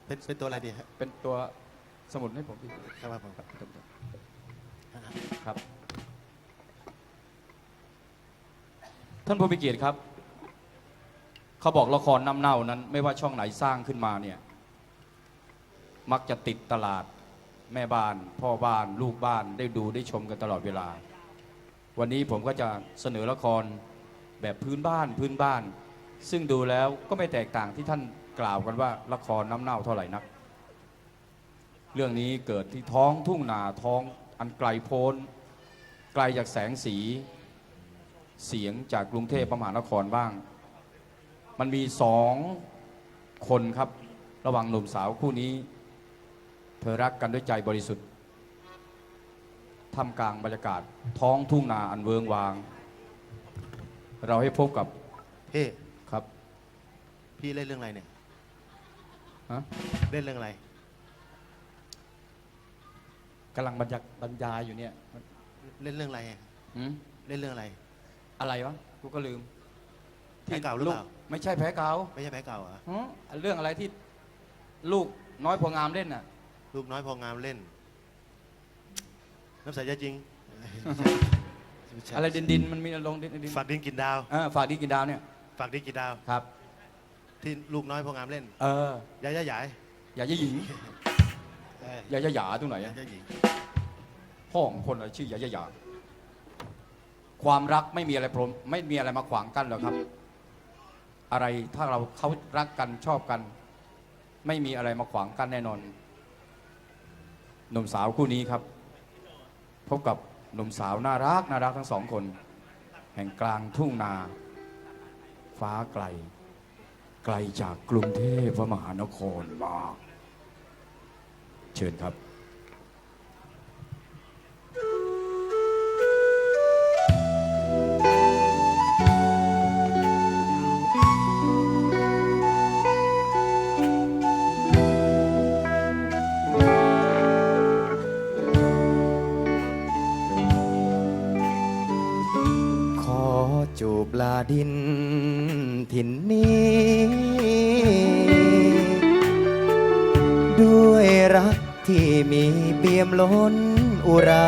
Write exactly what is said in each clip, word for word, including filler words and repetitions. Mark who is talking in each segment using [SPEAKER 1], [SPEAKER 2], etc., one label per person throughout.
[SPEAKER 1] เป็นเป็นตัวอะไรดีฮะ
[SPEAKER 2] เป็นตัวสมุดให้ผมพี่
[SPEAKER 1] ครับผม
[SPEAKER 2] ครับท่านผู้มีเกียรติครับเขาบอกละครน้ำเน่านั้นไม่ว่าช่องไหนสร้างขึ้นมาเนี่ยมักจะติดตลาดแม่บ้านพ่อบ้านลูกบ้านได้ดูได้ชมกันตลอดเวลาวันนี้ผมก็จะเสนอละครแบบพื้นบ้านพื้นบ้านซึ่งดูแล้วก็ไม่แตกต่างที่ท่านกล่าวกันว่าละครน้ำเน่าเท่าไหร่นักเรื่องนี้เกิดที่ท้องทุ่งนาท้องอันไกลโพ้นไกลจากแสงสีเสียงจากกรุงเทพมหานครบ้างมันมีสองคนครับระหว่างหนุ่มสาวคู่นี้เธอรักกันด้วยใจบริสุทธิ์ท่ามกลางบรรยากาศท้องทุ่งนาอันเวิงวางเราให้พบกับ
[SPEAKER 1] พี่
[SPEAKER 2] ครับ
[SPEAKER 1] พี่เล่นเรื่องอะไรเนี่ย
[SPEAKER 2] ฮะ
[SPEAKER 1] เล่นเรื่องอะไร
[SPEAKER 2] กำลังบรรยายบรรยายอยู่เนี่ย
[SPEAKER 1] เล่นเรื่องอะไรเล่นเรื่องอะไร
[SPEAKER 2] อะไรวะกูก็ลืม
[SPEAKER 1] แพ้เก่าหรือเปล่า
[SPEAKER 2] ไม่ใช่แพ้เก่า
[SPEAKER 1] ไม่ใช่แพ้เก่าเหรอ
[SPEAKER 2] เรื่องอะไรที่ลูกน้อยพองามเล่นน่ะ
[SPEAKER 1] ลูกน้อยพองามเล่นน้ำใสใจจริง
[SPEAKER 2] อะไรดินดินมันมีลงดินดิน
[SPEAKER 1] ฝากดินกินดาว
[SPEAKER 2] ฝากดินกินดาวเนี่ย
[SPEAKER 1] ฝากดินกินดาว
[SPEAKER 2] ครับ
[SPEAKER 1] ที่ลูกน้อยพองามเล่น
[SPEAKER 2] เอ
[SPEAKER 1] อยาย่าใหญ่
[SPEAKER 2] ยาย่าหญิงยาย่าหยาตรงไหน
[SPEAKER 1] ยาย่าหญิง
[SPEAKER 2] พ่อของคนอะไรชื่อยาย่าหยาความรักไม่มีอะไรพรมไม่มีอะไรมาขวางกันหรอกครับอะไรถ้าเราเขารักกันชอบกันไม่มีอะไรมาขวางกันแน่นอนหนุ่มสาวคู่นี้ครับพบกับหนุ่มสาวน่ารักน่ารักทั้งสองคนแห่งกลางทุ่งนาฟ้าไกลไกลจากกรุงเทพมหานครมากเชิญครับ
[SPEAKER 3] จูบลาดินถิ่นนี้ด้วยรักที่มีเปี่ยมล้นอุรา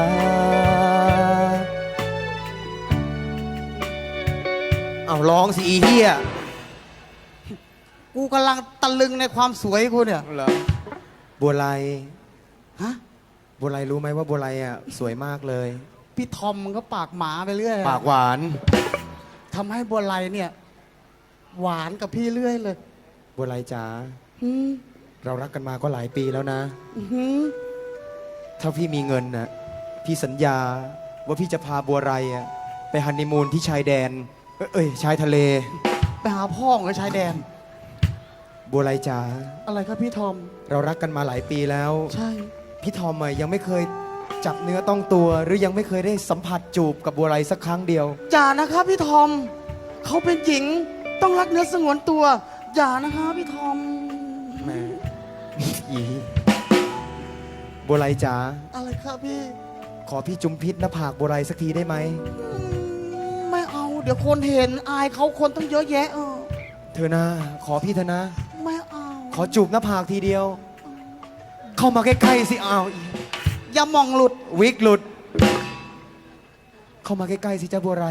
[SPEAKER 3] เอาร้องสิอีเหี้ย
[SPEAKER 4] กูกำลังตะลึงในความสวยกูเนี่ย
[SPEAKER 3] เหรอบัวไล
[SPEAKER 4] ฮะ
[SPEAKER 3] บัวไลรู้ไหมว่าบัวไลอ่ะสวยมากเลย
[SPEAKER 4] พี่ทอมมันก็ปากหมาไปเรื่อย
[SPEAKER 3] ปากหวาน
[SPEAKER 4] ทำให้บัวไลเนี่ยหวานกับพี่เรื่อยเลย
[SPEAKER 3] บัวไลจ๋าเรารักกันมาก็หลายปีแล้วนะถ้าพี่มีเงินน่ะพี่สัญญาว่าพี่จะพาบัวไลอ่ะไปฮันนีมูนที่ชายแดนเอ้ยชายทะเล
[SPEAKER 4] ไปหาพ่อของชายแดน
[SPEAKER 3] บัวไลจ๋า
[SPEAKER 4] อะไรครับพี่ทอม
[SPEAKER 3] เรารักกันมาหลายปีแล้ว
[SPEAKER 4] ใช่
[SPEAKER 3] พี่ทอมอ่ะยังไม่เคยจับเนื้อต้องตัวหรือยังไม่เคยได้สัมผัสจูบกับบัวไลสักครั้งเดียว
[SPEAKER 4] อย่านะครับพี่ทอมเขาเป็นหญิงต้องรักเนื้อสงวนตัวอย่านะครับพี่ทอม
[SPEAKER 3] แม่อีบัวไลจ๋า
[SPEAKER 4] อะไรครับพี่
[SPEAKER 3] ขอพี่จุมพิษหน้าผากบัวไลสักทีได้ไหม
[SPEAKER 4] ไม่เอาเดี๋ยวคนเห็นอายเขาคนต้องเยอะแยะเออ
[SPEAKER 3] เธอนะขอพี่เธอนะ
[SPEAKER 4] ไม่เอา
[SPEAKER 3] ขอจูบหน้าผากทีเดียวเข้ามาใกล้ๆสิอ้าว
[SPEAKER 4] อย่ามองหลุด
[SPEAKER 3] วิกหลุดเข้ามาใกล้ๆสิจ้าบัวไร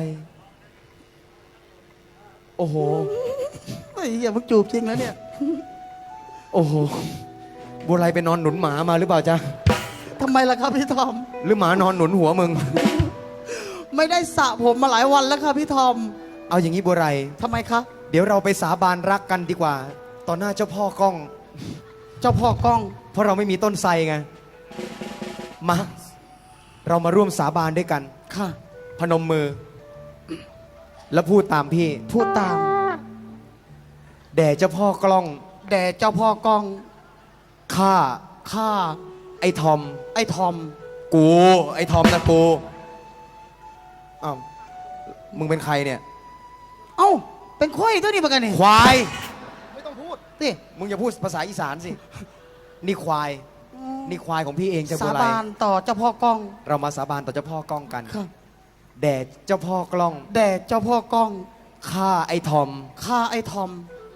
[SPEAKER 3] โอ้โห
[SPEAKER 4] ไอ้อย่ามึงจูบจริงแล้วเนี่ย
[SPEAKER 3] โอ้โหบัวไรไปนอนหนุนหมามาหรือเปล่าจ๊ะ
[SPEAKER 4] ทำไมล่ะครับพี่ทอม
[SPEAKER 3] หรือหมานอนหนุนหัวมึง
[SPEAKER 4] ไม่ได้สระผมมาหลายวันแล้วครับพี่ทอม
[SPEAKER 3] เอาอย่างนี้บัวไร
[SPEAKER 4] ทำไมคะ
[SPEAKER 3] เดี๋ยวเราไปสาบานรักกันดีกว่าต่อหน้าเจ้าพ่อกล้อง
[SPEAKER 4] เจ้าพ่อกล้อง
[SPEAKER 3] เพราะเราไม่มีต้นไทรไงมาเรามาร่วมสาบานด้วยกัน
[SPEAKER 4] ค่ะ
[SPEAKER 3] พนมมือแล้วพูดตามพี่
[SPEAKER 4] พูดตาม
[SPEAKER 3] แด่เจ้าพ่อกล้อง
[SPEAKER 4] แด่เจ้าพ่อกล้อง
[SPEAKER 3] ข้า
[SPEAKER 4] ข้า
[SPEAKER 3] ไอ้ทอม
[SPEAKER 4] ไอ้ทอม
[SPEAKER 3] กูไอ้ทอมนะกูอ้าวมึงเป็นใครเนี่ย
[SPEAKER 4] เอ้าเป็นควายตัวนี้เหมือนกันนี่
[SPEAKER 3] ควาย
[SPEAKER 4] ไม่ต้องพูดสิ
[SPEAKER 3] มึงอย่าพูดภาษาอีสานสินี่ควายนี่ควายของพี่เองจะ
[SPEAKER 4] สาบานต่อเจ้าพ่อกล้อง
[SPEAKER 3] เรามาสาบานต่อเจ้าพ่อกล้องกันแด่เจ้าพ่อกล้อง
[SPEAKER 4] แด่เจ้าพ่อกล้อง
[SPEAKER 3] ข้าไอ้ทอม
[SPEAKER 4] ข้าไอ้ทอม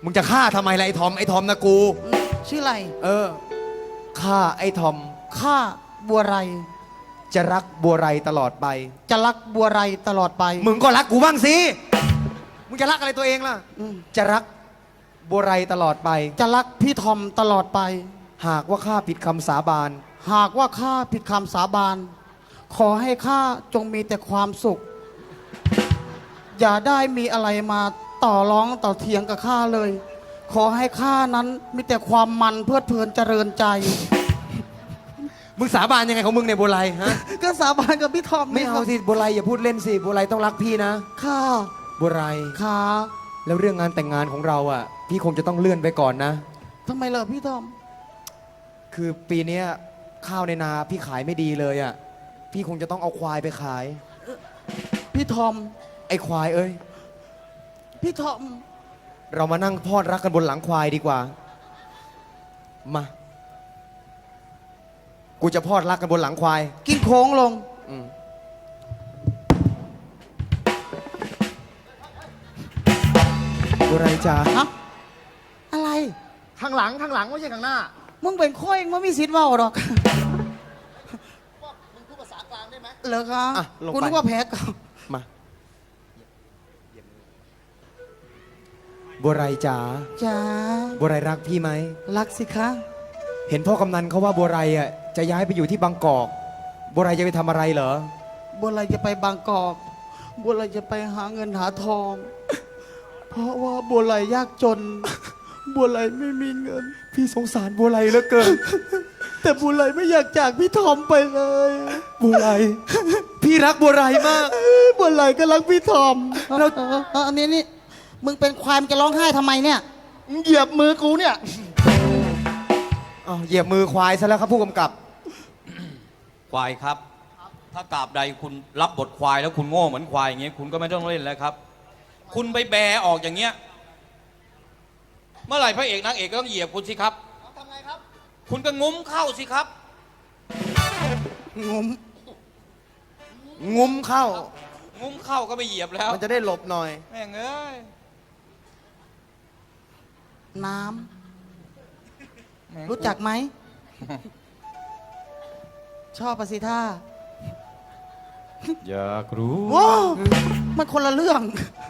[SPEAKER 3] มึงจะฆ่าทำไมล่ะไอ้ทอมไอ้ทอมนะกู
[SPEAKER 4] ชื่ออะไร
[SPEAKER 3] เออฆ่าไอ้ทอม
[SPEAKER 4] ข้าบัวไร
[SPEAKER 3] จะรักบัวไรตลอดไป
[SPEAKER 4] จะรักบัวไรตลอดไป
[SPEAKER 3] มึงก็รักกูบ้างสิ มึงจะรักอะไรตัวเองล่ะ
[SPEAKER 4] อืม
[SPEAKER 3] จะรักบัวไรตลอดไป
[SPEAKER 4] จะรักพี่ทอมตลอดไป
[SPEAKER 3] หากว่าข้าผิดคำสาบาน
[SPEAKER 4] หากว่าข้าผิดคำสาบาน ขอให้ข้าจงมีแต่ความสุข อย่าได้มีอะไรมาต่อร้องต่อเถียงกับข้าเลย ขอให้ข้านั้นมีแต่ความมันเพลิดเพลินเจริญใจ
[SPEAKER 3] มึงสาบานยังไงของมึงในยบัวไรฮะ
[SPEAKER 4] ก็สาบานกับพี่ทอม
[SPEAKER 3] ไม่เอาสิบัวไรอย่าพูดเล่นสิบัวไรต้องรักพี่นะ
[SPEAKER 4] ข้า
[SPEAKER 3] บัวไร
[SPEAKER 4] ขา
[SPEAKER 3] แล้วเรื่องงานแต่งงานของเราอ่ะ พี่คงจะต้องเลื่อนไปก่อนนะ
[SPEAKER 4] ทำไมเหรอพี่ทอม
[SPEAKER 3] คือปีเนี้ยข้าวในนาพี่ขายไม่ดีเลยอ่ะ พี่คงจะต้องเอาควายไปขาย
[SPEAKER 4] พี่ทอม
[SPEAKER 3] ไอ้ควายเอ้ย
[SPEAKER 4] พี่ทอม
[SPEAKER 3] เรามานั่งพอดรักกันบนหลังควายดีกว่า มา กูจะพอดรักกันบนหลังควาย
[SPEAKER 4] กินโค้งลง
[SPEAKER 3] อืมบัวไรจ๋า
[SPEAKER 4] ฮะ อะไร
[SPEAKER 5] ข้างหลังข้างหลังไม่ใช่ข้างหน้า
[SPEAKER 4] มึงเป็นข้อยมึงไม่มีสิทธิ์เว่าหรอก
[SPEAKER 5] มึงพูดภาษากลางได้ไหม
[SPEAKER 4] เหรอคะ
[SPEAKER 3] อ่ะลง
[SPEAKER 4] กู
[SPEAKER 3] ไป
[SPEAKER 4] นึกว่าแพ้เก่า
[SPEAKER 3] มาบัวไรจ๋า
[SPEAKER 4] จ้า
[SPEAKER 3] บัวไรรักพี่ไหม
[SPEAKER 4] รักสิคะ
[SPEAKER 3] เห็นพ่อกำนันเขาว่าบัวไรอ่ะจะย้ายไปอยู่ที่บางกอกบัวไรจะไปทำอะไรเหรอ
[SPEAKER 4] บัวลอยจะไปบางกอก บัวลอยจะไปหาเงินหาทอง เพราะว่าบัวลอยยากจน บัวลอยไม่มีเงิน
[SPEAKER 3] พี่สงสารบัวไรเหลือเกิน
[SPEAKER 4] แต่บัวลอยไม่อยากจากพี่ทอมไปเลย
[SPEAKER 3] บัวไร พี่รักบัวไรมาก
[SPEAKER 4] บัวลอยก็รักพี่ทอม
[SPEAKER 3] แล้
[SPEAKER 4] แล้ว วอันนี้นี่ มึงเป็นควายมึงจะร้องไห้ทำไมเนี่ย
[SPEAKER 5] มึงเหยียบมือกูเนี่ย
[SPEAKER 3] อ้าวเหยียบมือควายซะแล้วครับผู้กำกับ
[SPEAKER 2] ควายครับ ถ้ากราบใดคุณรับบทควายแล้วคุณโง่เหมือนควายอย่างเงี้ยคุณก็ไม่ต้องเล่นแล้วครับ คุณไปแบออกอย่างเงี้ย เมื่อไหร่พระเอกนางเอกก็ต้องเหยียบคุณสิครับ
[SPEAKER 5] ทำไงครับ
[SPEAKER 2] คุณก็งุ้มเข้าสิครับ
[SPEAKER 4] งม
[SPEAKER 3] งุ้มเข้า
[SPEAKER 2] งุ้มเข้าก็ไม่เหยียบแล้ว
[SPEAKER 3] มันจะได้หลบหน่อย
[SPEAKER 2] แม่งเอ้ย
[SPEAKER 4] น้
[SPEAKER 2] แม่ง
[SPEAKER 4] ำ รู้จักไหม ชอบปะสิท่า
[SPEAKER 2] อยากรู้
[SPEAKER 4] โอ้มันคนละเรื่อง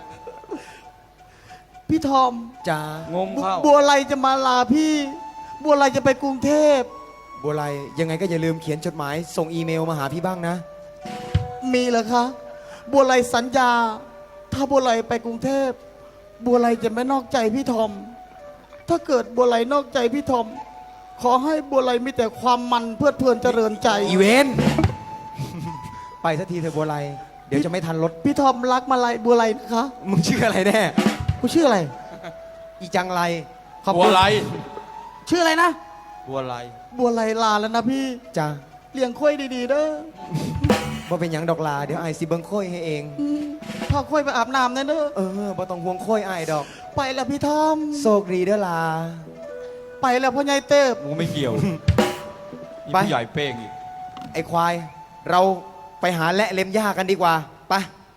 [SPEAKER 4] พี่ทอม
[SPEAKER 3] จ้าง
[SPEAKER 2] ุ้มเข้า
[SPEAKER 4] บัวไลจะมาลาพี่ บัวไลจะไปกรุงเทพ
[SPEAKER 3] บัวไรยังไงก็อย่าลืมเขียนจดหมาย ส่งอีเมลมาหาพี่บ้างนะ
[SPEAKER 4] มีเหรอคะ บัวไลสัญญา ถ้าบัวไลไปกรุงเทพ บัวไลจะไม่นอกใจพี่ทอม ถ้าเกิดบัวไลนอกใจพี่ทอม ขอให้บัวไลมีแต่ความมันเพลิดเพลินเจริญใจ
[SPEAKER 3] อีเวน ไปสักทีเถอะบัวไรเดี๋ยวจะไม่ทันรถ
[SPEAKER 4] พี่ทอมรักมาลัยบัวไลนะคะ
[SPEAKER 3] มึงชื่ออะไรแน่
[SPEAKER 4] กูชื่ออะไร
[SPEAKER 3] อีจังไร
[SPEAKER 4] ขอบ
[SPEAKER 2] บั
[SPEAKER 4] คุ
[SPEAKER 2] ว
[SPEAKER 4] ณ
[SPEAKER 2] ไร
[SPEAKER 4] ชื่ออะไรนะ
[SPEAKER 2] บัวไร
[SPEAKER 4] บัวไลลาแล้วนะพี่
[SPEAKER 3] จ้า
[SPEAKER 4] เลี้ยงค่อยดีๆเด้อ
[SPEAKER 3] บ่เป็นหยังดอกลา เดี๋ยวไอายสิเบิงโค้ยให้เอง
[SPEAKER 4] อืมพาค่อยไปอาบน้ำนะเด้อ
[SPEAKER 3] เออบ่ต้องห่วงโค้ยไอายดอก
[SPEAKER 4] ไปแล้วพี่ทอม
[SPEAKER 3] โชคดีเด้อลา
[SPEAKER 4] ไปแล้วพ่อใหญ่เติบ
[SPEAKER 2] กูไม่เกี่ยวนี่
[SPEAKER 3] ไป
[SPEAKER 2] ผู้ใหญ่เป้งอีก
[SPEAKER 3] ไอควาย เราไปหาและเล็มหญ้ากันดีกว่า ไป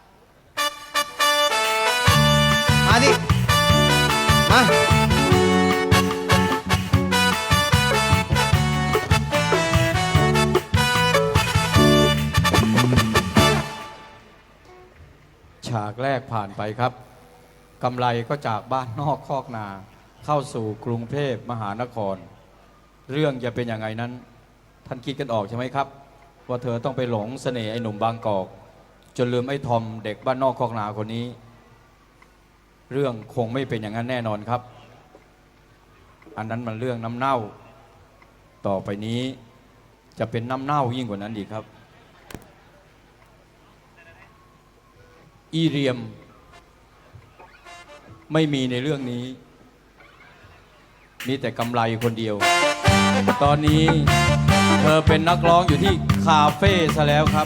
[SPEAKER 3] มาดิ มา
[SPEAKER 2] ฉากแรกผ่านไปครับกำไรก็จากบ้านนอกคอกนา เข้าสู่กรุงเทพมหานคร เรื่องจะเป็นยังไงนั้น ท่านคิดกันออกใช่ไหมครับ ว่าเธอต้องไปหลงเสน่ห์ไอ้หนุ่มบางกอก จนลืมไอ้ทอมเด็กบ้านนอกคอกนาคนนี้ เรื่องคงไม่เป็นอย่างนั้นแน่นอนครับ อันนั้นมันเรื่องน้ำเน่า ต่อไปนี้จะเป็นน้ำเน่ายิ่งกว่านั้นอีกครับ อีเรียม ไม่มีในเรื่องนี้ มีแต่กำไรคนเดียว ตอนนี้เธอเป็นนักร้องอยู่ที่คาเฟ่ซะแล้วครับ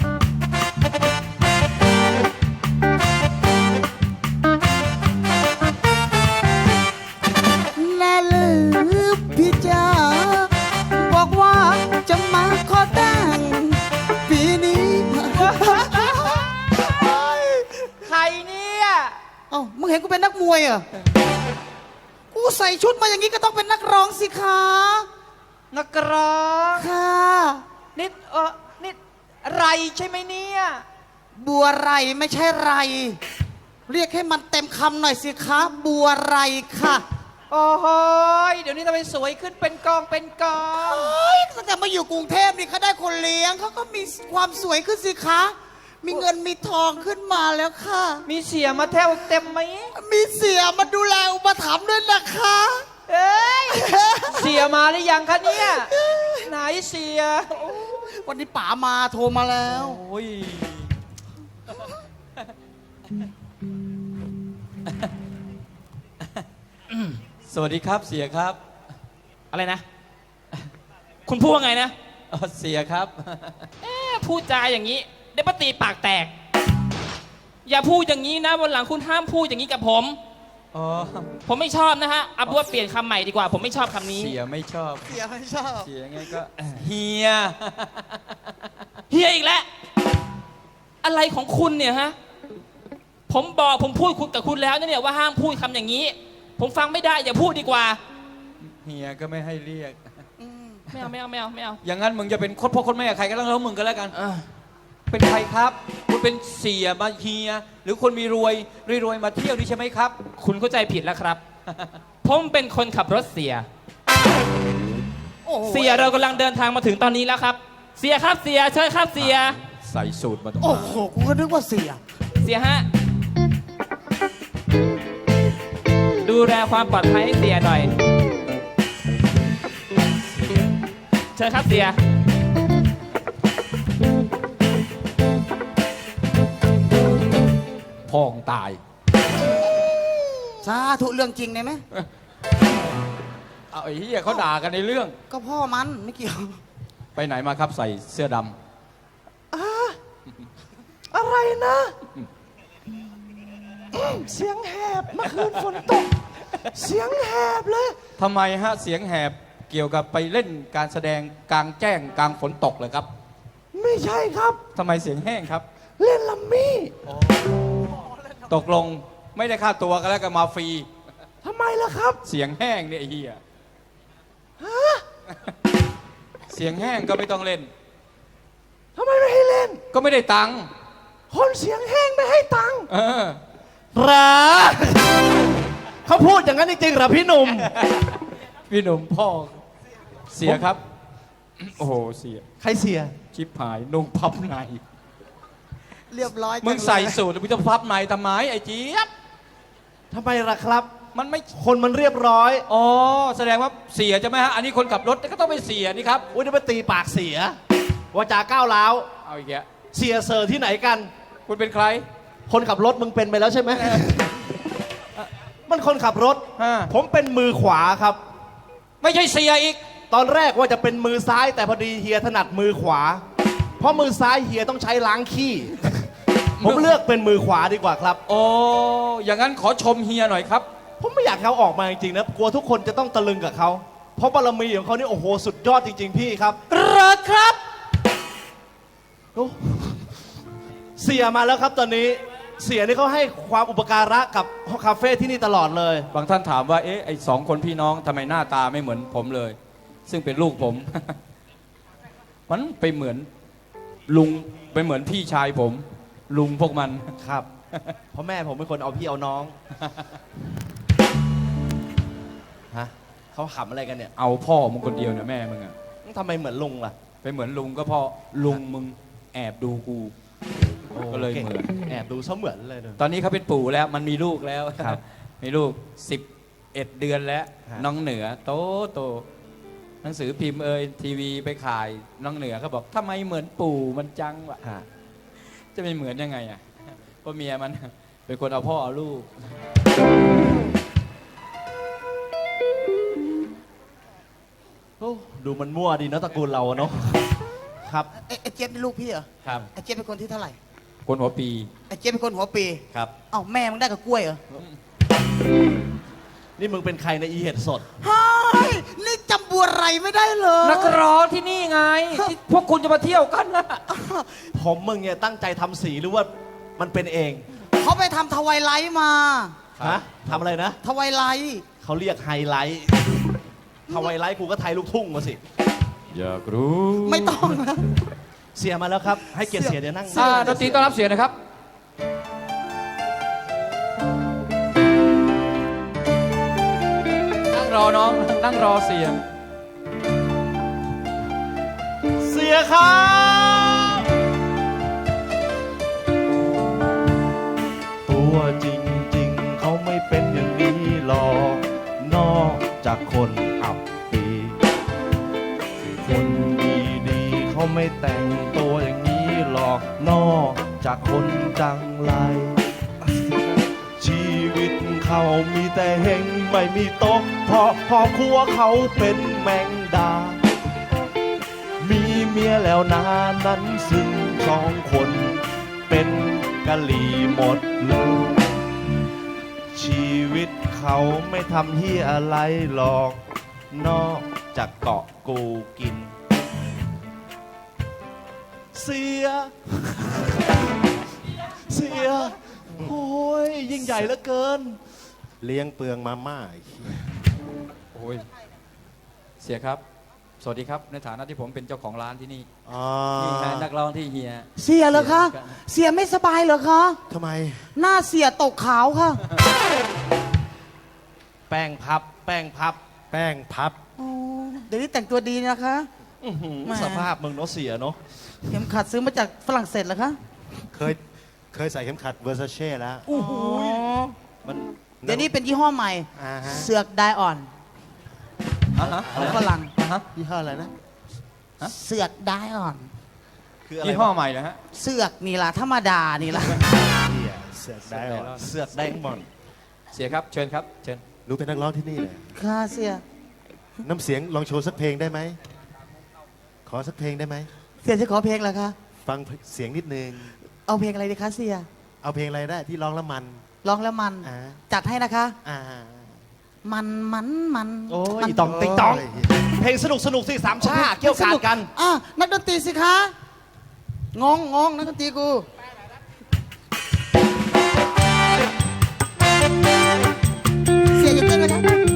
[SPEAKER 4] แน่ลือพี่จ๋าบอกว่าจะมาขอแต่งปีนี้
[SPEAKER 5] ใครเนี่ย
[SPEAKER 4] เอ้ามึงเห็นกูเป็นนักมวยเหรอ กูส่ชุดมาอย่างนี้ก็ต้องเป็นนักร้องสิคะ
[SPEAKER 6] นักร้อง
[SPEAKER 4] ค่ะ
[SPEAKER 6] นิดเออนิดไรใช่ไหมเนี่ย
[SPEAKER 4] บัวไรไม่ใช่ไร เรียกให้มันเต็มคำหน่อยสิคะ บัวไรค่ะ
[SPEAKER 6] โอ้โหยเดี๋ยวนี้ทำไมสวยขึ้นเป็นกองเป็นกอง
[SPEAKER 4] เฮ้ยตั้งแต่มาอยู่กรุงเทพนี่เขาได้คนเลี้ยงเขาก็มีความสวยขึ้นสิคะ มีเงินมีทองขึ้นมาแล้วค่ะ
[SPEAKER 6] มีเสียมาแถวเต็มไหม
[SPEAKER 4] มีเสียมาดูแลอุปถัมภ์ด้วยนะคะ
[SPEAKER 6] เอ้ย เสียมาหรือยังคะเนี่ย ไหนเสีย
[SPEAKER 4] วันนี้ป๋ามาโทรมาแล้ว
[SPEAKER 2] โอ้ย สวัสดีครับเสียครับ
[SPEAKER 7] อะไรนะ คุณพูดว่าไงนะ
[SPEAKER 2] อ๋อเสียครับ
[SPEAKER 7] เอ๊ะพูดจาอย่างนี้เดี๋ยวป้าตีปากแตก อย่าพูดอย่างนี้นะวันหลังคุณห้ามพูดอย่างนี้กับผม
[SPEAKER 2] อ๋อ
[SPEAKER 7] ผมไม่ชอบนะฮะเอาเป็นว่าเปลี่ยนคำใหม่ดีกว่า ผมไม่ชอบคำนี้
[SPEAKER 2] เสียไม่ชอบ
[SPEAKER 4] เสียไม่ชอบ
[SPEAKER 2] เสียไงก็เฮีย
[SPEAKER 7] เฮียอีกแล้ว อะไรของคุณเนี่ยฮะ ผมบอกผมพูดคุณกับคุณแล้วนะเนี่ยว่าห้ามพูดคำอย่างนี้ ผมฟังไม่ได้อย่าพูดดีกว่า
[SPEAKER 2] เฮียก็ไม่ให้เรียก
[SPEAKER 7] ไม่เอาไม่เอาไม่เอาไม่เอา
[SPEAKER 2] อย่างนั้นมึงจะเป็นโคตรพ่อโคตรแม่ใครก็ต้องแล้วมึงก็แล้วกัน
[SPEAKER 7] เออ
[SPEAKER 2] เป็นใครครับ คุณเป็นเสียมาเฮีย หรือคนมีรวยรวยรวยมาเที่ยวนี่ใช่ไหมครับ
[SPEAKER 7] คุณเข้าใจผิดแล้วครับ ผมเป็นคนขับรถเสีย
[SPEAKER 4] โอ้โห
[SPEAKER 7] เสียเรากำลังเดินทางมาถึงตอนนี้แล้วครับ เสียครับเสียเชิญครับเสีย
[SPEAKER 2] ใส่สูตรมาตรง
[SPEAKER 4] โอ้โห กูก็นึกว่าเสีย
[SPEAKER 7] เสียฮะ ดูแลความปลอดภัยให้เสียหน่อย เชิญครับเสีย
[SPEAKER 2] พ่องตาย
[SPEAKER 4] สาธุเรื่องจริงได้ไหม
[SPEAKER 2] เอาไอ้เฮียเขาด่ากันในเรื่อง
[SPEAKER 4] ก็พ่อมันไม่เกี่ยว
[SPEAKER 2] ไปไหนมาครับใส่เสื้อดำ
[SPEAKER 6] อะไรนะอืมเสียงแหบเมื่อคืนฝนตก เสียงแหบเลย
[SPEAKER 2] ทำไมฮะเสียงแหบเกี่ยวกับไปเล่นการแสดงกลางแจ้งกลางฝนตกเลยครับ
[SPEAKER 6] ไม่ใช่ครับ
[SPEAKER 2] ทำไมเสียงแห้งครับ
[SPEAKER 6] เล่นลัมมี่
[SPEAKER 2] ตกลงไม่ได้ค่าตัวกันแล้วก็มาฟรี
[SPEAKER 6] ทำไมล่ะครับ
[SPEAKER 2] เสียงแห้งเนี่ยไอ้เฮียเสียงแห้งก็ไม่ต้องเล่น
[SPEAKER 6] ทำไมไม่ให้เล่น
[SPEAKER 2] ก็ไม่ได้ตังค์
[SPEAKER 6] คนเสียงแห้งไม่ให้ตังค์
[SPEAKER 2] เออ
[SPEAKER 5] เหรอเขาพูดอย่างนั้นจริงๆเหรอพี่หนุ่ม
[SPEAKER 2] พี่หนุ่มพ่อเสียครับ โอ้โหเสีย
[SPEAKER 5] ใครเสีย
[SPEAKER 2] ชิบหายนุ่งพับใน
[SPEAKER 4] เรียบร้อยจั
[SPEAKER 2] มึงใส่สูทแล้วมึงจะพับในทำไมไอ้เจี๊ยบ
[SPEAKER 5] ทำไมล่ะครับ
[SPEAKER 2] มันไม่
[SPEAKER 5] คนมันเรียบร้อย
[SPEAKER 2] อ๋อแสดงว่าเสียใช่ไหมฮะอันนี้คนขับรถก็ต้องเป็นเสียนี่ครับ
[SPEAKER 5] อุ้ยนี่มาตีปากเสีย วาจาก้าวร้าว
[SPEAKER 2] เอาอีกแล้ว
[SPEAKER 5] เสียเซอร์ที่ไหนกัน
[SPEAKER 2] คุณเป็นใคร
[SPEAKER 5] คนขับรถมึงเป็นไปแล้วใช่ไหม มันคนขับรถ
[SPEAKER 2] ฮะ
[SPEAKER 5] ผมเป็นมือขวาครับ
[SPEAKER 2] ไม่ใช่เสียอีก
[SPEAKER 5] ตอนแรกว่าจะเป็นมือซ้ายแต่พอดีเฮียถนัดมือขวา เพราะมือซ้ายเฮียต้องใช้ล้างขี้ ผมเลือกเป็นมือขวาดีกว่าครับ
[SPEAKER 2] โอ้อย่างนั้นขอชมเฮียหน่อยครับ
[SPEAKER 5] ผมไม่อยากให้เขาออกมาจริงๆนะ กลัวทุกคนจะต้องตะลึงกับเขา เพราะบารมีของเขานี่โอ้โหสุดยอดจริง ๆ พี่ครับ
[SPEAKER 6] เหรอครับ
[SPEAKER 5] โอ้เสียมาแล้วครับตอนนี้ เสียนี่เขาให้ความอุปการะกับคาเฟ่ที่นี่ตลอดเลย
[SPEAKER 2] บางท่านถามว่าเอ๊ะไอ้สองคนพี่น้องทำไมหน้าตาไม่เหมือนผมเลย ซึ่งเป็นลูกผม มันไปเหมือนลุงไปเหมือนพี่ชายผม ลุงพวกมัน
[SPEAKER 5] ครับ เพราะแม่ผมเป็นคนเอาพี่เอาน้อง ฮะเขาขำอะไรกันเนี่ย
[SPEAKER 2] เอาพ่อมึงคนเดียวเนี่ยแม่มึงอะ
[SPEAKER 5] ทำไมเหมือนลุงล่ะ
[SPEAKER 2] ไปเหมือนลุงก็เพราะลุงมึงแอบดูกู ก็เลยเหมือน
[SPEAKER 5] แอบดูเสมือนเลยเนอะ
[SPEAKER 2] ตอนนี้เขาเป็นปู่แล้วมันมีลูกแล้ว
[SPEAKER 5] ครับ
[SPEAKER 2] มีลูกสิบเอ็ดเดือนแล้ว
[SPEAKER 5] ฮะ
[SPEAKER 2] น้องเหนือ โตโตหนังสือพิมพ์เอ่ยทีวีไปขายน้องเหนือเขาบอกทำไมเหมือนปู่มันจังวะ
[SPEAKER 5] ฮะ
[SPEAKER 2] จะไม่เหมือนยังไงอ่ะก็เมียมัน เป็นคนเอาพ่อเอาลูก
[SPEAKER 5] โอ้ดูมันมั่วดีเนอะตระกูลเราอะเนาะ ครับ
[SPEAKER 4] ไอ้ไอ้เจี๊ยบเป็นลูกพี่เหรอ
[SPEAKER 2] ครับ
[SPEAKER 4] ไอ้เจี๊ยบเป็นคนที่เท่าไหร่
[SPEAKER 2] คนหัวปี
[SPEAKER 4] ไอ้เจี๊ยบเป็นคนหัวปี
[SPEAKER 2] ครับ
[SPEAKER 4] เอ้าแม่มึงได้กับกล้วยเหรอ
[SPEAKER 5] นี่มึงเป็นใครในอีเห็ดสด
[SPEAKER 4] เฮ้ยนี่จำบัวไรไม่ได้เลย
[SPEAKER 2] นักร้องที่นี่ไงที่พวกคุณจะมาเที่ยวกันนะ
[SPEAKER 5] ผมมึงเนี่ยตั้งใจทำสีหรือว่ามันเป็นเอง
[SPEAKER 4] เขาไปทำทวายไลท์มา
[SPEAKER 5] ฮะทำอะไรนะ
[SPEAKER 4] ทวายไลท์
[SPEAKER 5] เขาเรียกไฮไลท์ถ้าไฮไลท์กูก็ไทยลูกทุ่งมาสิ
[SPEAKER 2] อยากรู้
[SPEAKER 4] ไม่ต้องนะ
[SPEAKER 5] เสียมาแล้วครับ ให้เกียรติเสียเดี๋ยวนั่ง
[SPEAKER 2] อ่าดนตรีต้อนรับเสียนะครับ นั่งรอน้อง นั่งรอเสีย
[SPEAKER 5] เสียครับ ตัวจริงๆ เขาไม่เป็นอย่างนี้หรอกนอกจากคนอับปีคนดีๆเขาไม่แต่งตัวอย่างนี้หรอกนอกจากคนจังไรชีวิตเขามีแต่เฮงไม่มีตกเพราะพอครัวเขาเป็นแมงดา มีเมียแล้วนานั้นซึ่งสองคนเป็นกะหรี่หมดเลยชีวิตเขาไม่ทำเฮียอะไรหรอก นอกจากเกาะกูกิน เสีย เสีย โอ้ยยิ่งใหญ่เหลือเกิน
[SPEAKER 1] เลี้ยงเปลืองมาม่าไอ้เหี้ย
[SPEAKER 2] โอ้ย เสียครับ สวัสดีครับ ในฐานะที่ผมเป็นเจ้าของร้านที่นี่
[SPEAKER 1] อ๋อ
[SPEAKER 2] นี่นะนักร้องที่เฮีย
[SPEAKER 4] เสียเหรอคะ เสียไม่สบายเหรอคะ
[SPEAKER 1] ทำไม
[SPEAKER 4] หน้าเสียตกขาวค่ะ
[SPEAKER 5] แป้งพับ แป้งพับ
[SPEAKER 1] แป้งพับ
[SPEAKER 4] โอ้เดี๋ยวนี้แต่งตัวดีนะคะ
[SPEAKER 5] อื้อหือ
[SPEAKER 4] แหม
[SPEAKER 5] สภาพมึงเนาะเสียเนาะ
[SPEAKER 4] เข็มขัดซื้อมาจากฝรั่งเศสเหรอคะ
[SPEAKER 1] เคย เคยใส่เข็มขัดเวอร์ซาเช่แล้ว
[SPEAKER 4] โอ้โห
[SPEAKER 5] มัน
[SPEAKER 4] เดี๋ยวนี้เป็นยี่ห้อใหม่
[SPEAKER 1] อ่าฮะ
[SPEAKER 4] เสือกไดออน
[SPEAKER 2] อ่ะฮะ
[SPEAKER 4] ของฝรั่ง
[SPEAKER 2] อ่ะฮะ
[SPEAKER 1] ยี่ห้ออะไรนะ
[SPEAKER 4] เสือกไดออน
[SPEAKER 5] คืออะไร
[SPEAKER 2] ยี่ห้อ
[SPEAKER 5] วะ
[SPEAKER 2] ใหม่นะฮะ
[SPEAKER 4] เสือกนี่ล่ะธรรมดานี่ล่ะ
[SPEAKER 1] เหี้ยเสือกได้หรอ
[SPEAKER 5] เสือกแดงหมอน
[SPEAKER 2] เสียครับ เชิญครับ เชิญ
[SPEAKER 1] รู้เป็นนักร้องที่นี่เลย
[SPEAKER 4] ค่ะเสีย
[SPEAKER 1] น้ำเสียงลองโชว์สักเพลงได้ไหม ขอสักเพลงได้ไหม
[SPEAKER 4] เสียจะขอเพลงเหรอคะ
[SPEAKER 1] ฟังเสียงนิดนึง
[SPEAKER 4] เอาเพลงอะไรดีคะเสีย
[SPEAKER 1] เอาเพลงอะไรได้ที่ร้องแล้วมัน
[SPEAKER 4] ร้องแล้วมัน
[SPEAKER 1] อ่า
[SPEAKER 4] จัดให้นะคะ
[SPEAKER 1] อ่า
[SPEAKER 4] มันมันมัน
[SPEAKER 5] โอ้ย
[SPEAKER 4] มัน
[SPEAKER 5] อีตองติ๊งตอง
[SPEAKER 1] โย
[SPEAKER 5] เพลงสนุกสนุกสิสามชาเกี่ยวกาดกัน
[SPEAKER 4] อ่ะนักดนตรีสิคะ งงงงนักดนตรีกู เสียอย่าเต้นนะคะ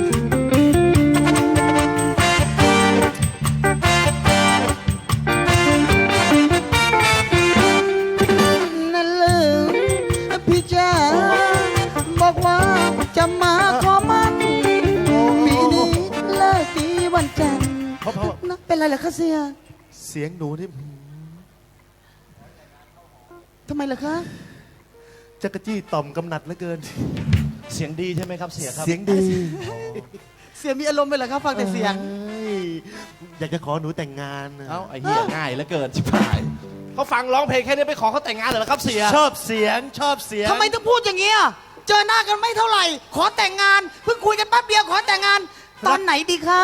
[SPEAKER 4] นั่นลืมพี่จ๋าบอกว่าจะมาขอมันปีนี้เลิกดีวันจันทร์
[SPEAKER 1] เพราะเพราะ
[SPEAKER 4] นะเป็นไรเหรอคะเสีย
[SPEAKER 1] เสียงหนูนี่
[SPEAKER 4] ทำไมเหรอคะ
[SPEAKER 1] จักรจี้ต่อมกำหนัดเหลือเกิน
[SPEAKER 5] เสียงดีใช่ไหมครับเสียครับ
[SPEAKER 1] เสียงดี
[SPEAKER 4] เสียมีอารมณ์ไปเหรอคะฟังแต่เสียง
[SPEAKER 1] เอ้ยอยากจะขอหนูแต่งงานน่ะ
[SPEAKER 5] เอ้าไอ้เหี้ยง่ายเหลือเกินชิบหายเขาฟังร้องเพลงแค่นี้ไปขอเขาแต่งงานเหรอครับเสีย
[SPEAKER 1] ชอบเสียงชอบเสียง
[SPEAKER 4] ทำไมต้องพูดอย่างนี้ยเจอหน้ากันไม่เท่าไหร่ ขอแต่งงาน เพิ่งคุยกันแป๊บเดียวขอแต่งงาน ตอนไหนดีคะ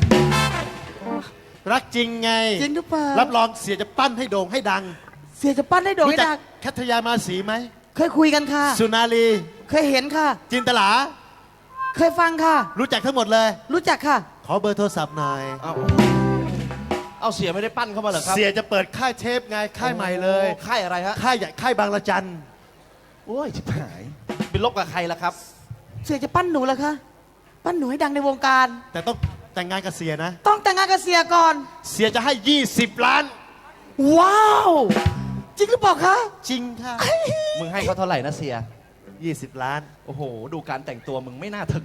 [SPEAKER 1] รักจริงไง
[SPEAKER 4] จริงหรือเปล่า
[SPEAKER 1] รับรองเสียจะปั้นให้โด่งให้ดัง
[SPEAKER 4] เสียจะปั้นให้โด่ง
[SPEAKER 1] รู้
[SPEAKER 4] ให้
[SPEAKER 1] จั
[SPEAKER 4] ดัง
[SPEAKER 1] แคทยามาสีไหม
[SPEAKER 4] เคยคุยกันค่ะ
[SPEAKER 1] สุนารี
[SPEAKER 4] เคยเห็นค่ะ
[SPEAKER 1] จินตลา
[SPEAKER 4] เคยฟังค่ะ
[SPEAKER 1] รู้จักทั้งหมดเลย
[SPEAKER 4] รู้จักค่ะ
[SPEAKER 1] ขอเบอร์โทรศัพท์หน่อย
[SPEAKER 5] เอาเอาเสียไม่ได้ปั้นเข้ามาเหรอครับ
[SPEAKER 1] เสียจะเปิดค่ายเทปไง ค่ายใหม่เลย
[SPEAKER 5] โอ้ค่ายอะไรฮะ
[SPEAKER 1] ค่ายใหญ่ค่ายบางระจัน
[SPEAKER 5] โอ้ยชิบหายเป็นลบกับใครล่ะครับ
[SPEAKER 4] เสียจะปั้นหนูเหรอคะ ปั้นหนูให้ดังในวงการ
[SPEAKER 1] แต่ต้องแต่งงานกับเสียนะ
[SPEAKER 4] ต้องแต่งงานกับเสียก่อน
[SPEAKER 1] เสียจะให้ ยี่สิบ ล้าน
[SPEAKER 4] ว้าว จริงหรือเปล่าคะ
[SPEAKER 1] จริงค่ะ
[SPEAKER 5] มึงให้เขาเท่าไหร่นะเสีย
[SPEAKER 1] ยี่สิบ ล้าน
[SPEAKER 5] โอ้โห ดูการแต่งตัวมึงไม่น่าถึง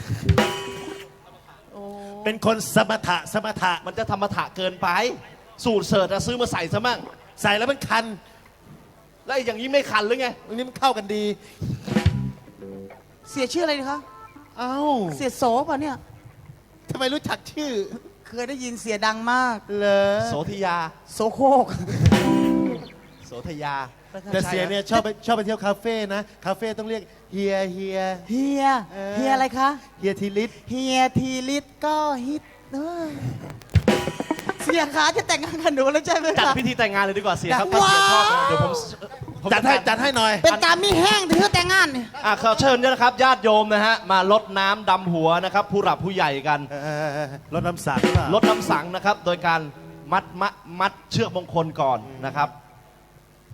[SPEAKER 1] เป็นคนสมถะสมถะ
[SPEAKER 5] มันจะธรรมถะเกินไป สูตรเสิร์ตอะซื้อมาใส่ซะมั่ง
[SPEAKER 1] ใส่แล้วมันคัน
[SPEAKER 5] แล้วไอ้อย่างนี้ไม่คันหรือไง
[SPEAKER 1] อันนี้มันเข้ากันดี
[SPEAKER 4] เสียชื่ออะไรดีคะ
[SPEAKER 1] เอ้า
[SPEAKER 4] เสียโสป่ะเนี่ย
[SPEAKER 1] ทำไมรู้จักชื่อ
[SPEAKER 4] เคยได้ยินเสียดังมาก
[SPEAKER 1] เหรอ
[SPEAKER 5] โสธยา
[SPEAKER 4] โสโครก
[SPEAKER 5] โสธยา
[SPEAKER 1] แต่เสียเนี่ยชอบไปชอบไปเที่ยวคาเฟ่นะ คาเฟ่ต้องเรียกเฮียเฮีย
[SPEAKER 4] เฮีย
[SPEAKER 1] เออ
[SPEAKER 4] เฮียอะไรคะ
[SPEAKER 1] เฮียทีลิศ
[SPEAKER 4] เฮียทีลิตก็ฮิตเออเสียขาจะแต่งงานกับหนูแล้วใช่ไหม
[SPEAKER 5] จัด
[SPEAKER 4] คะ
[SPEAKER 5] พิธีแต่งงานเลยดีกว่าเสียครับ
[SPEAKER 4] ว้าว
[SPEAKER 5] ถ้าเสียชอบนะเดี๋ยวผมผม
[SPEAKER 1] จัดให้จัดให้หน่อย
[SPEAKER 4] เป็นการมีแห้งถือแต่งงานเนี่ย
[SPEAKER 5] อ่ะขอเชิญด้วยนะครับญาติโยมนะฮะมาลดน้ำดำหัวนะครับผู้หลับผู้ใหญ่กัน
[SPEAKER 1] เออรถน้ำสังหรือเปล่า
[SPEAKER 5] ลดน้ำสังนะครับ โดยการมัดมัดมัดเชือกมงคลก่อนนะครับ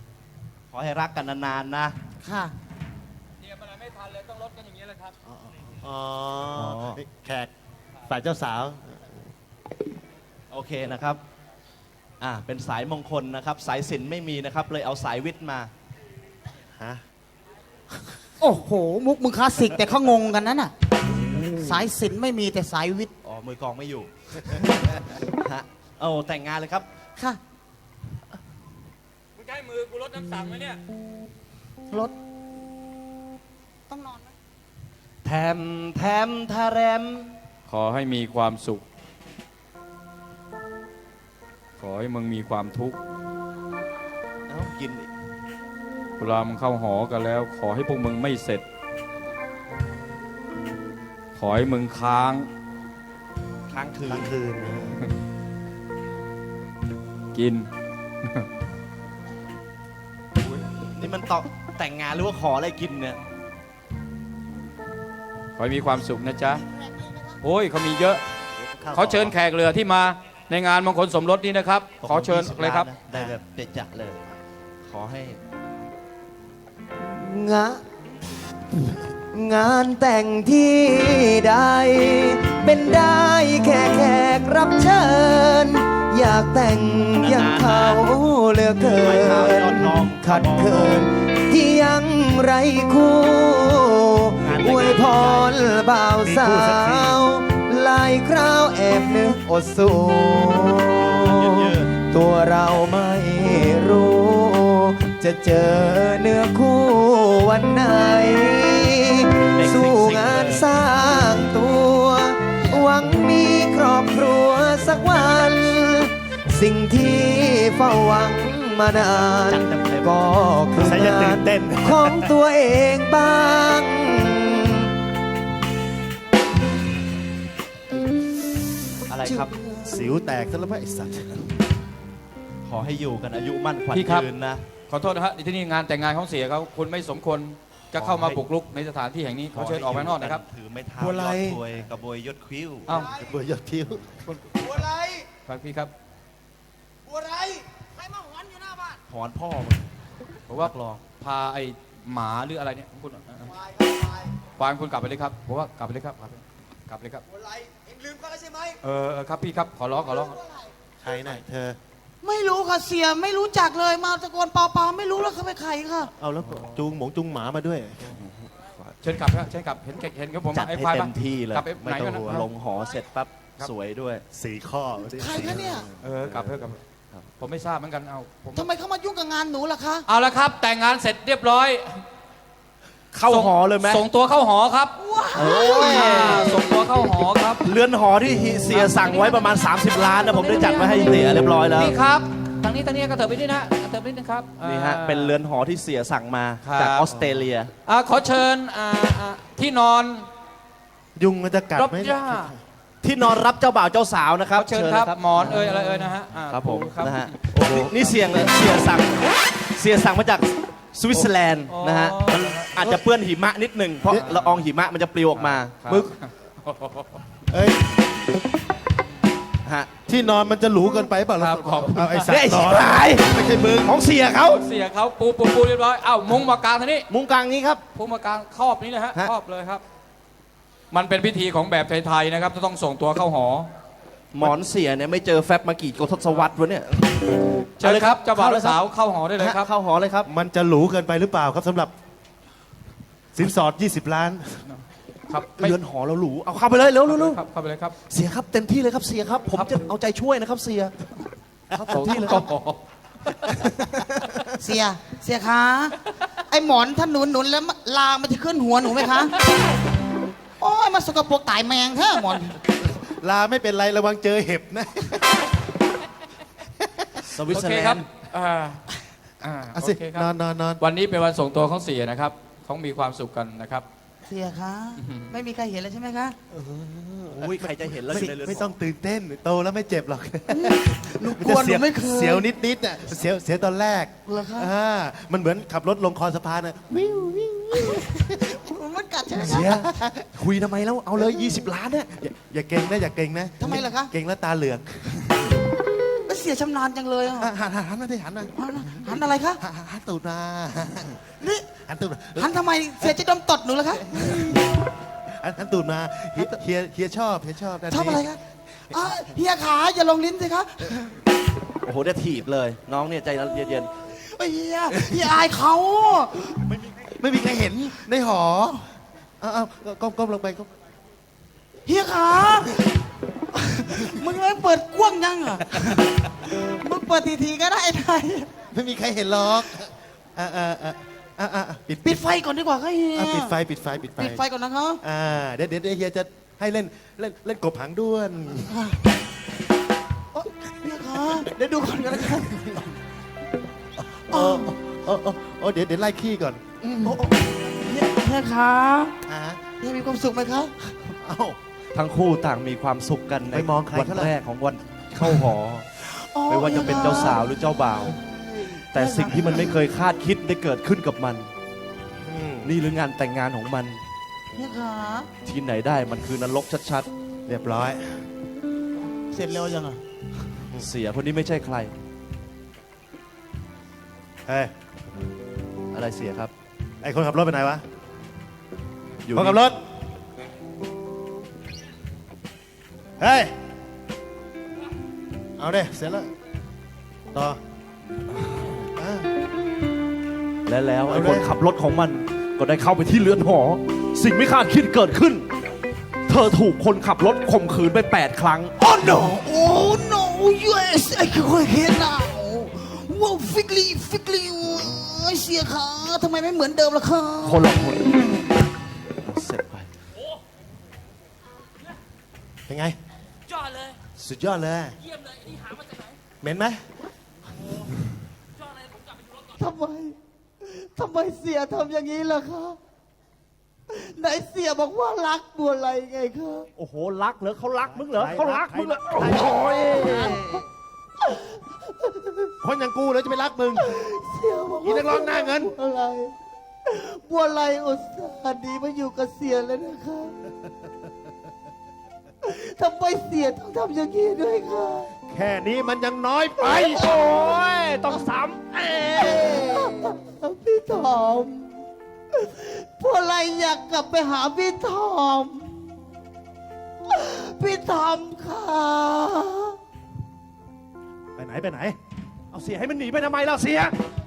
[SPEAKER 5] ขอให้รักกันนานๆนะ
[SPEAKER 4] ค่ะ
[SPEAKER 2] เตรียมอะไรไม่ทันเลยต้องลดกันอย่างนี้เลยครับ
[SPEAKER 1] อ๋อ
[SPEAKER 5] อ๋อ
[SPEAKER 1] แขกฝ่ายเจ้าสาว
[SPEAKER 5] โอเคนะครับ อ่า เป็นสายมงคลนะครับ สายศิลป์ไม่มีนะครับ เลยเอาสายวิทย์มา
[SPEAKER 1] ฮะ
[SPEAKER 4] โอ้โห มุกมึงคลาสสิกแต่เขางงกันนั่นน่ะ สายศิลป์ไม่มีแต่สายวิทย์
[SPEAKER 5] อ๋อ มือกลองไม่อยู่ ฮะโอ้แต่งงานเลยครับ
[SPEAKER 4] ค่ะ
[SPEAKER 7] มึงใช้มือกูลดน้ำสั่งไหมเนี่ย
[SPEAKER 4] รถ ต้องนอนไหม
[SPEAKER 5] แถมแถมทาแรม
[SPEAKER 2] ขอให้มีความสุข ขอให้มึงมีความทุกข์
[SPEAKER 5] เอ้ากินอีก
[SPEAKER 2] เวลามึงเข้าหอกันแล้ว ขอให้พวกมึงไม่เสร็จ ขอให้มึงค้าง
[SPEAKER 5] ค้างคื
[SPEAKER 1] กลาน งคืนนะ
[SPEAKER 2] กิน
[SPEAKER 5] นี่มันตอแต่งงานหรือว่าขออะไรกินเนี่ย
[SPEAKER 2] ขอให้มีความสุขนะจ๊ะ โอ้ยเขามีเยอะ เขาเชิญแขกเรือที่มาในงานมงคลสมรสนี้นะครับ ขอเชิญเลยครับ
[SPEAKER 5] ได้แบบเด็ดจะเลย ขอให้
[SPEAKER 3] งะงานแต่งที่ใด เป็นได้แค่แขกรับเชิญ อยากแต่งอย่างเขาเหลือเกิ
[SPEAKER 5] ไม้เท้ายอด
[SPEAKER 3] น
[SPEAKER 5] ทอง
[SPEAKER 3] ขัดเขินที่ยังไรคู่อวยพรบ่าวสาวหลายคราวแอบนึกอดสูตัวเราไม่รู้ จะเจอเนื้อคู่วันไหน สู้งานสร้างตัว หวังมีครอบครัวสักวัน สิ่งที่เฝ้าหวังมานาน ก็คือ
[SPEAKER 1] ใส่จะตื่
[SPEAKER 3] งาน
[SPEAKER 1] นเต้น
[SPEAKER 3] ของตัวเองบ้าง
[SPEAKER 5] อะไรครับ
[SPEAKER 1] สิวแตกซะแล้วไหมไอ้สัตว์
[SPEAKER 5] ขอให้อยู่กันอายุมั่นขวัญ
[SPEAKER 2] พี่ครับ
[SPEAKER 5] ยืนนะ
[SPEAKER 2] ขอโทษนะฮะที่นี่งานแต่งงานของเสียเขาคุณไม่สมควรจะเข้ามาบุกรุกในสถานที่แห่งนี้เขาเชิญออกไปข้างนอกนะครับ
[SPEAKER 5] ถือไม้เท้า
[SPEAKER 3] บัวไล
[SPEAKER 5] ยอดถวยกระบวยยศคิ้ว
[SPEAKER 2] เอ้า
[SPEAKER 1] เบอร์ยอดทิ้ว
[SPEAKER 4] บัวไร
[SPEAKER 2] ฟังพี่ครับ
[SPEAKER 4] บัวไร ใครมาหอนอยู่หน้าบ้าน
[SPEAKER 5] ถอนพ่อมึง
[SPEAKER 2] ผมว่า พาไอ้หมาหรืออะไรเนี่ยของคุณอ่ะฟางคุณกลับไปเลยครับผมว่ากลับไปเลยครับ กลับไปเลยครับ
[SPEAKER 4] บัวไรเอ็งลืมเขาแล้วใช่ไหม
[SPEAKER 2] เออเออครับพี่ครับขอร้องขอร้อง
[SPEAKER 1] ใครน่ะเธอ
[SPEAKER 4] ไม่รู้ค่ะเสียไม่รู้จักเลยมาตะโกนเปล่าๆไม่รู้แล้วเขาเป็นใครค่ะ
[SPEAKER 1] เอาแล้วจูงหมงจูงหมามาด้วย
[SPEAKER 2] เชิญกลับครับเชิญกลับเห็นเห็นกับผม
[SPEAKER 5] จัด
[SPEAKER 2] ไอ้
[SPEAKER 5] ให้
[SPEAKER 2] ควาย
[SPEAKER 5] เต็
[SPEAKER 2] ปะ
[SPEAKER 5] มที่เลย
[SPEAKER 2] กลับไป
[SPEAKER 5] ไม่
[SPEAKER 2] ไหน
[SPEAKER 5] ต้
[SPEAKER 2] กั
[SPEAKER 5] อน ง
[SPEAKER 2] นะ
[SPEAKER 5] หัวลงหอเสร็จปั๊บ
[SPEAKER 2] ครับ
[SPEAKER 5] สวยด้วย
[SPEAKER 1] สีข้อ
[SPEAKER 4] ใครคะเนี่ย
[SPEAKER 2] เออกลับเถอะกลับเถอะผมไม่ทราบเหมือนกันเอาผม
[SPEAKER 4] ทำไมเขามายุ่งกับงานหนูล่ะคะ
[SPEAKER 2] เอาละครับ แต่งงานเสร็จเรียบร้อย
[SPEAKER 5] เข้าหอเลยไหม
[SPEAKER 2] ส่งตัวเข้าหอครับ
[SPEAKER 5] โอ้ย
[SPEAKER 2] อ่าส่งตัวเข้าหอครับ
[SPEAKER 5] เรือนหอที่เสียสั่งไว้ประมาณ 30 ล้านนะผมได้จัดไว้ให้เสียเรียบร้อยแล้ว
[SPEAKER 2] นี่ครับทางนี้ทางนี้ก็เถิบไปด้วยนะเถิบไปนิดนึงครับ
[SPEAKER 5] นี่ฮะ
[SPEAKER 2] อ่า
[SPEAKER 5] เป็นเรือนหอที่เสียสั่งมา
[SPEAKER 2] ครับ
[SPEAKER 5] จากออสเตรเลีย
[SPEAKER 2] อ่าขอเชิญอ่าอ่าที่นอน
[SPEAKER 1] ยุงมันจะกัด
[SPEAKER 2] รบ
[SPEAKER 1] ไหม
[SPEAKER 2] ย่า
[SPEAKER 5] ที่นอนรับเจ้าบ่าวเจ้าสาวนะครับ
[SPEAKER 2] ขอเชิญครับหมอนเอ่ยอะไรเอ่ยนะฮะอ่า
[SPEAKER 5] ครับผม
[SPEAKER 2] ครับ
[SPEAKER 5] นะฮะนี่นี่เสียงเลยเสียสั่งเสียสั่งมาจากสวิตเซอร์แลนด์นะฮะมันอาจจะเปื้อนหิมะนิดหนึ่งเพราะละอองหิมะมันจะปลิวออกมา
[SPEAKER 2] ครับ
[SPEAKER 5] มึก
[SPEAKER 1] เอ้ย
[SPEAKER 5] ฮะ
[SPEAKER 1] ที่นอนมันจะหรูเกินไปเปล่า
[SPEAKER 2] ครับขอบคุณ
[SPEAKER 1] เอาไอ้สัต
[SPEAKER 5] เนี่ย
[SPEAKER 1] ว์น
[SPEAKER 5] ไอ้
[SPEAKER 1] อน
[SPEAKER 5] ชิบหาย
[SPEAKER 1] ไม่ใช่มึง
[SPEAKER 5] ของเสียเขา
[SPEAKER 2] เสียเขาปูปูปูเรียบร้อยเอ้ามุ้งมากางทางนี้
[SPEAKER 5] มุงกลางนี้ครับ
[SPEAKER 2] มุ้งมากางครอบนี้เลยฮะ
[SPEAKER 5] ฮะ
[SPEAKER 2] ครอบเลยครับ มันเป็นพิธีของแบบไทยๆนะครับจะต้องส่งตัวเข้าหอ
[SPEAKER 5] หมอนเสียเนี่ยไม่เจอแฟบมากี่กทศวรรษวะเนี่ย
[SPEAKER 2] เชิญครับเจ้าบ่าว
[SPEAKER 5] เข้าเลย
[SPEAKER 2] และสาวเข้าหอได้เลยครับ
[SPEAKER 5] ฮะเข้าหอเลยครับ
[SPEAKER 1] มันจะหรูเกินไปหรือเปล่าครับสำหรับ สินสอด ยี่สิบ ล้าน
[SPEAKER 2] ครับไม่
[SPEAKER 5] เรือนหอเราหรูเอาเข้าไปเลยเร็วเร็วเร็ว
[SPEAKER 2] ครับเข้าไปเลยครับ
[SPEAKER 5] เสียครับเต็มที่เลยครับเสียครับ ผมจะเอาใจช่วยนะครับเสียครับเต็มที่เลยครับ
[SPEAKER 4] เสียเสียคะไอหมอนถ้าหนุนหนุนแล้วลางมันจะขึ้นหัวหนูไหมคะโอ้ยมาสกปรกตายแมงแท้หมอน
[SPEAKER 1] ลาไม่เป็นไรระวังเจอเห็บนะ
[SPEAKER 5] สวิต
[SPEAKER 2] โอ
[SPEAKER 5] เซอ
[SPEAKER 2] เค
[SPEAKER 5] ร์แล
[SPEAKER 2] ครับ
[SPEAKER 5] นด์
[SPEAKER 2] อ่าอ่า
[SPEAKER 1] เอา
[SPEAKER 2] โอ
[SPEAKER 1] สิ
[SPEAKER 2] เคคน
[SPEAKER 1] อ
[SPEAKER 2] รั
[SPEAKER 1] น
[SPEAKER 2] บ
[SPEAKER 1] นอนนอน
[SPEAKER 2] วันนี้เป็นวันส่งตัวของเสียนะครับเขามีความสุขกันนะครับ
[SPEAKER 4] เสียคะไม่มีใครเห็นแล้วใช่ไหมคะ
[SPEAKER 5] โอ้ยใครจะเห็นแล้ว
[SPEAKER 1] ไม่
[SPEAKER 5] อยู่ในเรือน
[SPEAKER 1] ไม่
[SPEAKER 5] ห
[SPEAKER 1] ต้องตื่นเต้นโตแล้วไม่เจ็บหรอก
[SPEAKER 4] หนู
[SPEAKER 1] มัน
[SPEAKER 4] กลัว
[SPEAKER 1] จะ
[SPEAKER 4] ห
[SPEAKER 1] เสี
[SPEAKER 4] นู
[SPEAKER 1] ยว
[SPEAKER 4] ไม่เคย
[SPEAKER 1] เสียวนิดนิดๆน่ะเสียวเสียวตอนแรก
[SPEAKER 4] เหรอคะ
[SPEAKER 1] อ่ามันเหมือนขับรถลงคอสะพานน่ะวิววิววิว
[SPEAKER 4] มันกัดใช่ไหม
[SPEAKER 5] เสียคุยทำไมแล้วเอาเลย ยี่สิบ ล้านเนี่ย
[SPEAKER 1] อย่าอย่าเก่งนะอย่าเก่งนะ
[SPEAKER 4] ทำไมล่ะคะ
[SPEAKER 1] เก่งแล้วตาเหลือง
[SPEAKER 4] เสียชำนาญจังเลยอ่ะ
[SPEAKER 1] อ่ะหันหันหันมาดิหันมา
[SPEAKER 4] หันหันอะไรคะ
[SPEAKER 1] หันหันหันตูดมา
[SPEAKER 4] นี่
[SPEAKER 1] หันตูดมา
[SPEAKER 4] หันทำไมเสียจะดมตดหนูเหรอคะ
[SPEAKER 1] อันอันตูดมาเฮียเฮียเฮียชอบเฮียชอบด้าน
[SPEAKER 4] ชอบ
[SPEAKER 1] นี้
[SPEAKER 4] อะไรครับอ่ะเฮียขาอย่าลงลิ้นสิครับ
[SPEAKER 5] โอ้โหได้ถีบเลย น้องเนี่ยใจเย็น
[SPEAKER 4] เฮียเฮียอายเขา
[SPEAKER 1] ไม่มีใครเห็นในหอเอาเอาก้มก้มลงไปก้ม
[SPEAKER 4] เฮียขา มึงไม่เปิดกว้างยังอ่ะ มึงเปิดทีๆก็ได้ไทย
[SPEAKER 1] ไม่มีใครเห็นหรอกอ่าอ่าอ่าอ่าอ่าปิด
[SPEAKER 4] ปิดไฟก่อนดีกว่าครับเฮีย
[SPEAKER 1] อ่ะปิดไฟปิดไฟปิดไฟ
[SPEAKER 4] ปิดไฟก่อนนะครับ
[SPEAKER 1] อ่าเดี๋ยวเดี๋ยวเดี๋ยวเฮียจะให้เล่นเล่นเล่นกบหางด้วน
[SPEAKER 4] โอ๊ยเฮียขาเดี๋ยวดูก่อนกันแล้วกัน
[SPEAKER 1] โอ้โอ้โอ้โอ้เดี๋ยวเดี๋ยวไล่ขี้ก่อน
[SPEAKER 4] โอ้โอ้เฮียเฮียขา
[SPEAKER 1] อ่า
[SPEAKER 4] เฮียมีความสุขไหมครับ
[SPEAKER 1] เอ้า
[SPEAKER 5] ๆ ทั้งคู่ต่างมีความสุขกันใน
[SPEAKER 1] ไปมองใคร
[SPEAKER 5] วัน
[SPEAKER 1] เขาล่ะ
[SPEAKER 5] แรกของวันเข้าหอ ไม่ว่าจะเป็นเจ้าสาวหรือเจ้าบ่าว แต่สิ่งที่มันไม่เคยคาดคิดได้เกิดขึ้นกับมัน
[SPEAKER 1] อืม
[SPEAKER 5] นี่หรืองานแต่งงานของมัน
[SPEAKER 4] เฮียขา
[SPEAKER 5] ที่ไหนได้มันคือนรกชัด
[SPEAKER 1] เรียบร้อย
[SPEAKER 4] เสร็จเร็วยังอ่ะ
[SPEAKER 5] ๆ เสียคนนี้ไม่ใช่ใคร
[SPEAKER 1] เฮ้ย
[SPEAKER 5] อะไรเสียครับ
[SPEAKER 1] ไอคนขับรถไปไหนวะ
[SPEAKER 5] อยู่
[SPEAKER 1] คนขับรถเฮ้ยเอาเด้เสร็จแล้วต่ออ่า
[SPEAKER 5] และแล้วไอ้
[SPEAKER 1] เอาเลย
[SPEAKER 5] คนขับรถของมันก็ได้เข้าไปที่เรือนหอ สิ่งไม่คาดคิดเกิดขึ้น เธอถูกคนขับรถข่มขืนไป แปด ครั้ง
[SPEAKER 4] Oh no! Oh no! Yes, I can hear now. Wow, Figley, Figley, เสียขาทำไมไม่เหมือนเดิมล่ะครับ
[SPEAKER 5] คนละคนเสร็จไป
[SPEAKER 1] เป็นไง
[SPEAKER 7] ยอดเลย
[SPEAKER 1] สุดยอดเลย
[SPEAKER 7] เยี่ยมเลยนี่หามาจากไหน
[SPEAKER 1] เหม็นไหม
[SPEAKER 7] ยอดเลยผมกลับไปดูรถก่อน
[SPEAKER 4] ทำไม ทำไมเสียทำอย่างนี้ล่ะครับไหนเสียบอกว่ารักบัวไรไงครับ
[SPEAKER 5] โอ้โห รักเหรอเขารักมึงเหรอ
[SPEAKER 1] ใคร
[SPEAKER 5] เขารักมึงเหรอ
[SPEAKER 1] ใคร
[SPEAKER 5] โอ้ย
[SPEAKER 1] คนอย่างกูเลยจะไปรักมึง
[SPEAKER 4] เสียบอก
[SPEAKER 1] อีนักร้องหน้าเงิน
[SPEAKER 4] บัวไรบัวไรอุตส่าห์ดีมาอยู่กับเสียแล้วนะครับทำไมเสียต้องทำอย่างนี้ด้วยครับ
[SPEAKER 1] แค่นี้มันยังน้อยไป
[SPEAKER 5] โอ้ย ต้องซ้ำเอ้ย
[SPEAKER 4] พี่ทอมพวกอะไรอยากกลับไปหาพี่ทอม พี่ทอมค่ะ
[SPEAKER 5] ไปไหนไปไหน เอาเสียให้มันหนีไปทำไมล่ะเสีย